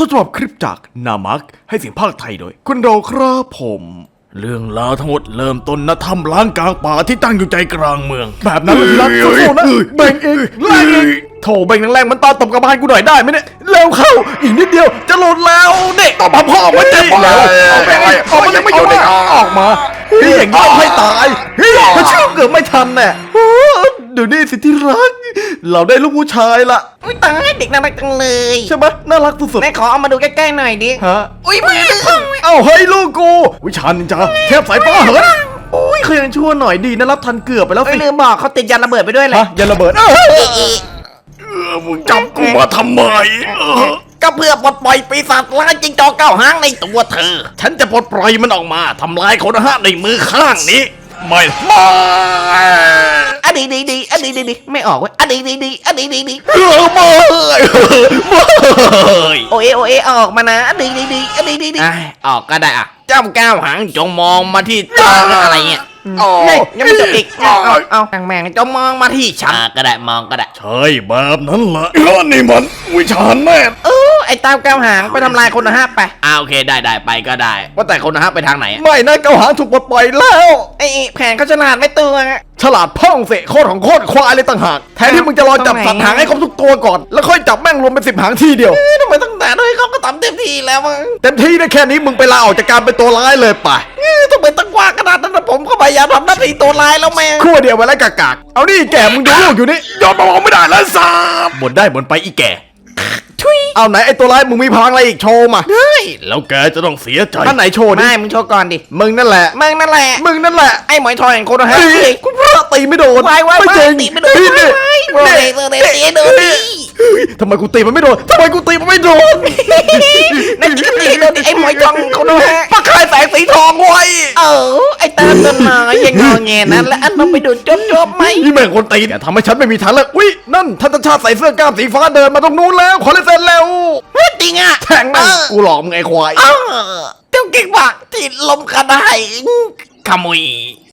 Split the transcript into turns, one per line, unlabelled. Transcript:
ต้นฉบับคลิปจากนามักให้เสียงภาคไทยโดยคุณโดครับผมเรื่องราวทั้งหมดเริ่มต้นณถ้ำล้างกลางป่าที่ตั้งอยู่ใจกลางเมืองแบบนั้นเลยรักสู้ๆนะแบ่งเองแรงเองโถแบ่งแรงมันตอนตบกระบาลกูหน่อยได้ไหมเนี่ยเร็วเข้าอีกนิดเดียวจะหลุดแล้วเด็กตบพ่อมันเจ็บแล้วเอาไปออกมายังไม่อยู่เนี่ยออกมาพี่อย่างนี้ต้องให้ตายพี่มันเชื่อเกือบไม่ทันแน่เดี๋ยวนี้สิที่รักเราได้ลูกผู้ชายละ
อุ้ยตายเด็กน่ารักจังเลย
ใช่ไหมน่ารักสุด
แม่ขอเอามาดูใกล้ๆหน่อยดิ
ๆฮะ
อุ้ยมือ
เอ้าเฮ้ยลูกกูวิชานินจาเทพสายฟ้าเหินโอ้ยเคยยังชั่วหน่อยดีนะรับทันเกือบไปแล้ว
เอ้
สิ
ยลืมบอกเขาติดยันระเบิดไปด้วยเลย
ฮะยันระเบิดมึงจับกูมาทำไม
ก็เพื่อปลดปล่อยปีศาจร้ายจิงจอกเก้าหางในตัวเธอ
ฉันจะปลดปล่อยมันออกมาทำลายคนห้าในมือข้างนี้ไม่
อันนี้ดีอันนี้ดีไม่ออกเว้ยอันนี้ดีอันนี้ดี
ไม่
โอเอออกมานะอันนี้ดีอันนี้ดี
ออกก็ได้อ่ะ เจ้าก้าวหางจงมองมาที่ตาอะไรเงี้ย
นี่ยังไม่จบอีกเอาแม่งจงมองมาที่ฉัน
ก็ได้มองก็ได้
ใช่แบบนั้นแหละนี่มันวิชาแน่
ไอ้เต้าเก้าหางไปทำลายคนห้าไป
โอเคได้ไปก็ได้ ว่าแต่คนนะฮะไปทางไหน
ไม่นะเกาหางถูกปลดปล่อยแล้ว
ไอ้แผนเขาฉลาดไม่ตัว
ฉลาดพ่องเสะโคตรของโคตรควายเลยต่างหากแทนที่มึงจะรอจับสัตว์หางให้ครบทุกตัวก่อนแล้วค่อยจับแม่งรวมเป็น10 หางทีเดียว
ทำไมตั้งแต่ด้วยเขาก็ทำเต็มที่แล้วมั้ง
เต็มที่ได้แค่นี้มึงไปลาออกจากการเป็นตัวร้ายเลยไป
ทำไมตั้งกว่าขนาดนั้นนะผมก็พยายามทำหน้าที่ตัวร้ายแล้วแม่
ขั้วเดียวไว้แล้วกากๆเอานี่แก่มึงดูลูกอยู่นี่ยอมมองไม่ได้แล้วสาบบ่นได้บ่นไปอีแก่
ทุย
เอาไหนไอ้ตัวร้ายมึงมีพลังอะไรอีกโชว์มา
เฮ้ย
แล้วแกจะต้องเสียใจท่านไหนโชว์ดิ
ไม่มึงโชว์ก่อนดิ
มึงนั่นแหละ
มึงนั่นแหละ
มึงนั่นแหละ
ไอ้หมอยทอยแห่งโคโนฮะ
คุณพระตีไม่โดน
วายวาย
ไม่จริง
ตีไม่โดน
นี่นี่
วายเซอร์เดตีโดนดิ
ทำไมกูตีมันไม่โดนทำไมกูตีมันไม่โดน
นั่นตีโดนดิไอ้หมอยทองโคโนฮะ
ปากคายแสงสีทองไว้
ไอ้ตาต้นไม้ยังงอแงนั้นแล้วอันต้องไปดูจบไหม
นี่แม่งคนตีเนี่ยทำให้ฉันไม่มีทางเลือกอุ้ยนั่นท่านชาติใส่เสื้อกล้ามสีฟ้าเดินมาตรงนู้นแล้วขอเลเซนแล้ว
จริงอ่ะ
แทงแม่งกูหลอกมึงไอ้ควาย
เจ้าเก่งมากที่ลมกระได
ขโมย